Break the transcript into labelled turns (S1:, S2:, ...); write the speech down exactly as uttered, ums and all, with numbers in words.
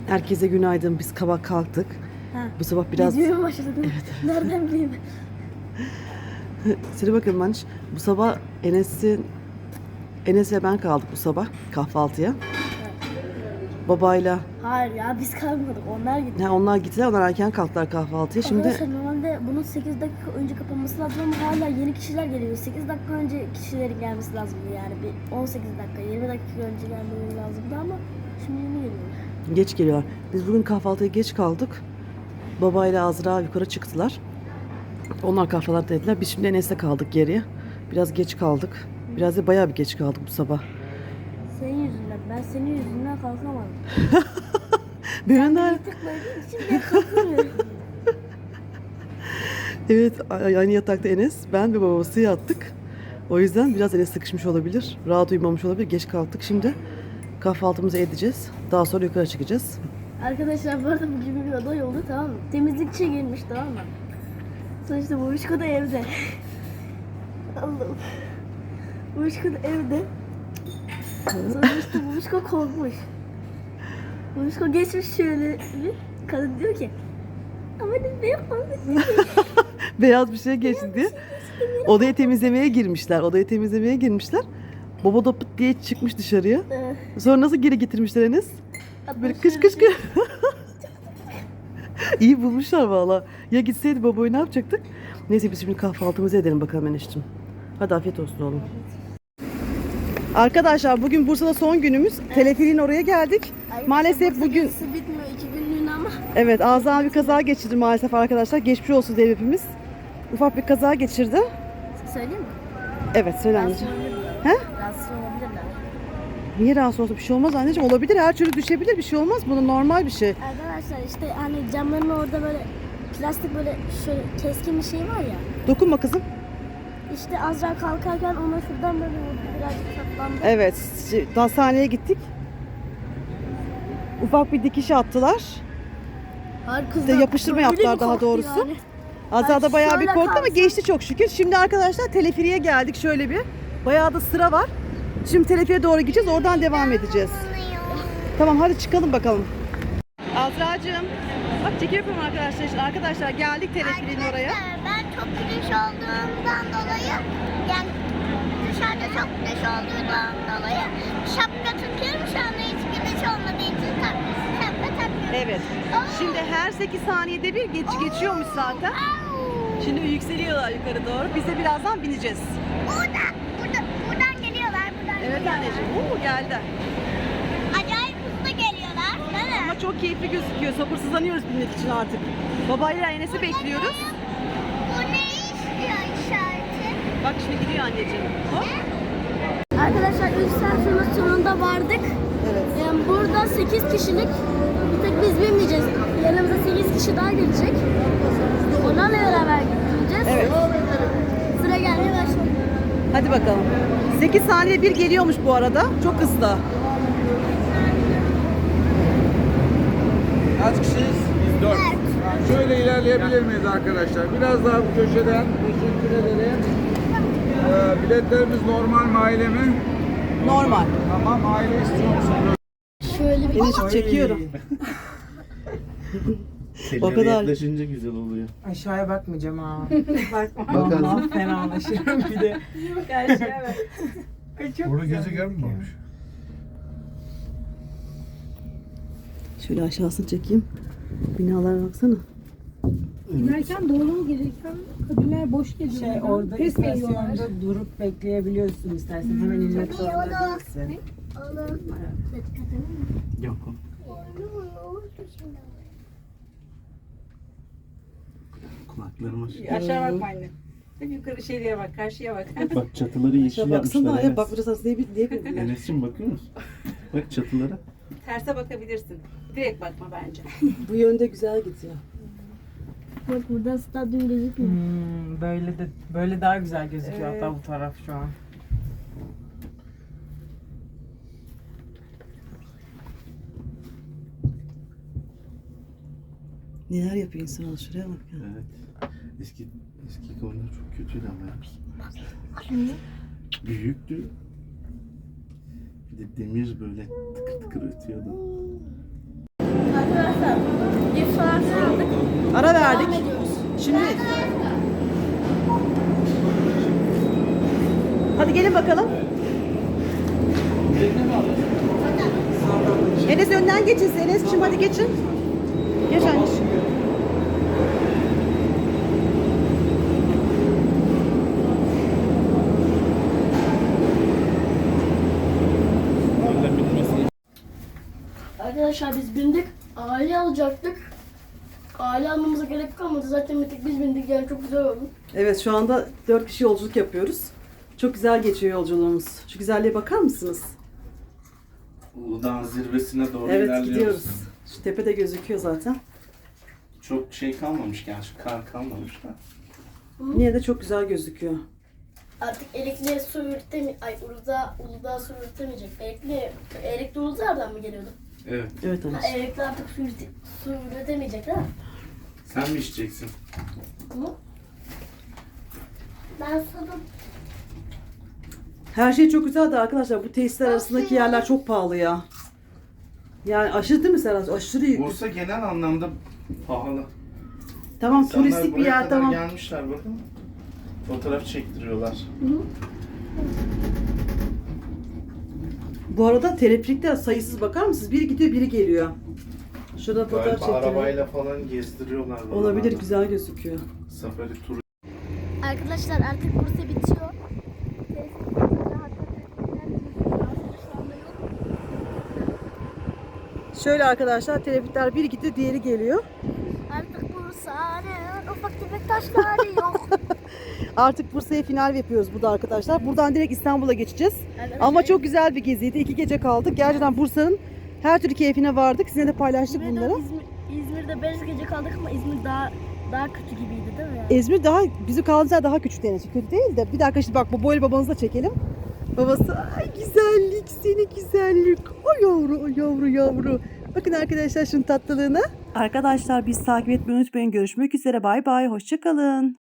S1: Herkese günaydın. Biz kabak kalktık.
S2: Ha.
S1: Bu sabah biraz...
S2: Videoya başladım. Evet. Nereden bileyim?
S1: Size bakın Manş. Bu sabah Enes'in... Enes ve ben kaldık bu sabah kahvaltıya. Babayla...
S2: Hayır ya biz kalmadık. Onlar gitti.
S1: Ha, onlar gittiler. Onlar erken kalktılar kahvaltıya. Şimdi...
S2: Arkadaşlar normalde bunun sekiz dakika önce kapanması lazım ama hala yeni kişiler geliyor. sekiz dakika önce kişilerin gelmesi lazımdı yani. Bir on sekiz dakika, yirmi dakika önce gelmeleri lazımdı ama şimdi yeni geliyorlar.
S1: Geç geliyorlar. Biz bugün kahvaltıya geç kaldık. Babayla Azra yukarı çıktılar. Onlar kahvaltı ettiler. Biz şimdi Enes'le kaldık geriye. Biraz geç kaldık. Biraz da bayağı bir geç kaldık bu sabah.
S2: Senin yüzünden. Ben senin yüzünden kalkamadım.
S1: Benim de...
S2: Tıkladığın için ben kalkamıyorum.
S1: Evet, aynı yatakta Enes, ben ve babası yattık. O yüzden biraz Enes sıkışmış olabilir. Rahat uyumamış olabilir. Geç kalktık. Şimdi kahvaltımızı edeceğiz. Daha sonra yukarı çıkacağız.
S2: Arkadaşlar bu arada bugün bir olay oldu, tamam mı? Temizlikçi gelmiş, tamam mı? Sonuçta Buruşko da evde. Allah'ım. Buruşko da evde. Sonuçta Buruşko korkmuş. Buruşko geçmiş şöyle bir. Kadın diyor ki ama ne yapalım?
S1: Beyaz bir şey geçti diye. Odayı temizlemeye girmişler. Odayı temizlemeye girmişler. Baba da pıt diye çıkmış dışarıya. Sonra nasıl geri getirmişler Enes? Böyle kış kış kış. İyi bulmuşlar valla. Ya gitseydi babayı ne yapacaktık? Neyse biz şimdi kahvaltımızı edelim bakalım Enes'cim. Hadi afiyet olsun oğlum. Arkadaşlar bugün Bursa'da son günümüz. Evet. Teleferiğin oraya geldik.
S2: Ay,
S1: maalesef
S2: Bursa
S1: bugün...
S2: gezisi bitmiyor iki günlüğüne ama.
S1: Evet, Azra bir kaza geçirdi maalesef arkadaşlar. Geçmiş olsun diye hepimiz. Ufak bir kaza geçirdi.
S2: Söyleyeyim mi?
S1: Evet, söyle
S2: Rahatsız
S1: anneciğim.
S2: olabilirler.
S1: He?
S2: Rahatsız olabilirler.
S1: Niye rahatsız olsa bir şey olmaz anneciğim? Olabilir, her türlü düşebilir, bir şey olmaz. Bu normal bir şey.
S2: Arkadaşlar işte hani camların orada böyle plastik böyle şöyle keskin bir şey var ya.
S1: Dokunma kızım.
S2: İşte Azra kalkarken ona şuradan böyle vurdu, birazcık saplandı.
S1: Evet, hastaneye gittik. Ufak bir dikiş attılar.
S2: Hayır
S1: İşte yapıştırma yaptılar daha doğrusu. Yani. Azra da bayağı bir korktu ama geçti çok şükür. Şimdi arkadaşlar teleferiye geldik şöyle bir. Bayağı da sıra var. Şimdi teleferiye doğru gideceğiz, oradan devam edeceğiz. Tamam hadi çıkalım bakalım. Azra'cığım, bak çekim yapıyorum arkadaşlar. Şimdi arkadaşlar geldik teleferiğin oraya.
S3: Ben çok güneş olduğundan dolayı, yani dışarıda çok güneş olduğundan dolayı şapka tutuyorum. Şu anda hiç güneş olmadığı için tak, şapka takmıyorum.
S1: Evet. Şimdi her sekiz saniyede bir geç geçiyormuş zaten. Şimdi yükseliyorlar yukarı doğru. Biz de birazdan bineceğiz.
S3: Burada, burada, buradan geliyorlar. Buradan
S1: Evet
S3: geliyorlar.
S1: anneciğim. Oo geldi.
S3: Acayip hızlı geliyorlar. Değil mi?
S1: Ama çok keyifli gözüküyor. Sabırsızlanıyoruz binmek için artık. Babayla Enes'i bekliyoruz.
S3: Bu ne istiyor işareti?
S1: Bak şimdi gidiyor anneciğim. Hop.
S2: Arkadaşlar üç saat sonra sonunda vardık.
S1: Evet.
S2: Yani burada sekiz kişilik, bir tek biz binmeyeceğiz. Yanımıza sekiz kişi daha gelecek. Onlarla beraber gideceğiz.
S1: Evet.
S2: Sıra gelmeye başladı.
S1: Hadi bakalım. sekiz saniye bir geliyormuş bu arada. Çok hızlı.
S4: Kaç kişiyiz? Biz dört. Şöyle ilerleyebilir miyiz arkadaşlar? Biraz daha bu köşeden. Teşekkür ederim. Ee, biletlerimiz normal mi, aile mi?
S1: Normal.
S4: Tamam, aile istiyor musun?
S2: Şöyle bir
S1: Enes'i çekiyorum. O kadar.
S5: Yaklaşınca güzel oluyor.
S6: Aşağıya bakmayacağım ha. Bakma.
S5: Bakalım.
S6: Allah fenalaşırım bir de. Karşıya bak. Ay çok
S4: Burada
S6: güzel
S4: gezegen mi
S6: gözüküyor.
S4: varmış?
S1: Şöyle aşağısını çekeyim. Binalara baksana.
S7: Giderken doğru gelirken kabinler boş geliyor.
S6: Şey orada
S7: Pes veriyorlar.
S6: istasyonda durup bekleyebiliyorsun istersen. Hemen inmek zorunda değilsin.
S5: Yok. Kulaklarıma şey.
S6: Aşağı bakma anne. Hep yukarı şeye bak, karşıya bak.
S5: Bak çatıları yeşil
S1: Aşağı
S5: yapmışlar.
S1: baksana.
S5: Enes.
S1: Ya, bak burası diye bir diye bir.
S5: Enes'cim bakıyor musun? Bak çatılara.
S6: Terse bakabilirsin. Direkt bakma bence.
S1: Bu yönde güzel gidiyor.
S2: bak buradan stadyum gözükmüyor.
S6: Hmm, böyle de böyle daha güzel gözüküyor
S1: Evet.
S6: hatta bu taraf şu an.
S1: Neler yapıyor insan, şuraya bak ya.
S5: Evet. Eski eski konular çok kötüydü ama ya. Büyüktü. Bir de demir böyle tıkır tıkır ötüyordu.
S1: Ara verdik.
S2: Devam ediyoruz.
S1: Şimdi hadi gelin bakalım. Enes önden geçin. Enes'cim hadi geçin. Geç anneciğim.
S2: Arkadaşlar biz bindik. Aile alacaktık. Aile almamıza gerek kalmadı. Zaten bir tek biz bindik. Yani çok güzel oldu.
S1: Evet şu anda dört kişi yolculuk yapıyoruz. Çok güzel geçiyor yolculuğumuz. Şu güzelliğe bakar mısınız?
S5: Uludağ'ın zirvesine doğru
S1: Evet
S5: ilerliyoruz.
S1: gidiyoruz. Şu tepe de gözüküyor zaten.
S5: Çok şey kalmamış gerçi, kar kalmamış da.
S1: Yine de çok güzel gözüküyor.
S2: Artık Erikli'ye su üretemi... Ay Uludağ, Uludağ su üretemeyecek. Erikli, Erikli Uludağ'dan mı geliyordu?
S5: Evet.
S1: Evet
S2: Ha,
S1: anneciğim.
S2: Erikli artık su, ürete, su üretemeyecek değil mi?
S5: Sen mi içeceksin?
S2: Hı?
S3: Ben sana
S1: Her şey çok güzeldi arkadaşlar. Bu tesisler arasındaki yerler çok pahalı ya. Yani aşırı değil mi Serhat? Aşırı yüksek.
S5: Bursa genel anlamda pahalı.
S1: Tamam
S5: İnsanlar
S1: turistik bir
S5: buraya
S1: yer
S5: kadar
S1: tamam.
S5: gelmişler bakın. Fotoğraf çektiriyorlar.
S1: Bu arada teleferikler sayısız bakar mısınız? Biri gidiyor biri geliyor. Şurada fotoğraf
S5: Galiba
S1: çekiyor.
S5: arabayla falan gezdiriyorlar.
S1: Olabilir
S5: buralarda.
S1: güzel gözüküyor.
S5: Safari turu.
S2: Arkadaşlar artık Bursa bitiyor.
S1: Şöyle arkadaşlar teleferikler biri gidiyor diğeri geliyor.
S2: Artık Bursa'nın ufak tefek taşları yok.
S1: Artık Bursa'ya final yapıyoruz burada arkadaşlar. Buradan direkt İstanbul'a geçeceğiz.
S2: Arkadaşlar,
S1: Ama çok güzel bir geziydi. İki gece kaldık. Gerçekten Bursa'nın her türlü keyfine vardık. Sizinle de paylaştık
S2: İzmir'de,
S1: bunları.
S2: İzmir, İzmir'de beş gece kaldık ama İzmir daha daha kötü gibiydi değil mi?
S1: İzmir daha, bizim kaldığımız yer daha küçük denecek. Kötü değil de. Bir dakika şimdi bak bu boylu babanızı da çekelim. Babası ay güzellik seni güzellik. O yavru o yavru yavru. Bakın arkadaşlar şunun tatlılığına. Arkadaşlar biz takip etmeyi unutmayın. Görüşmek üzere. Bay bay. Hoşçakalın.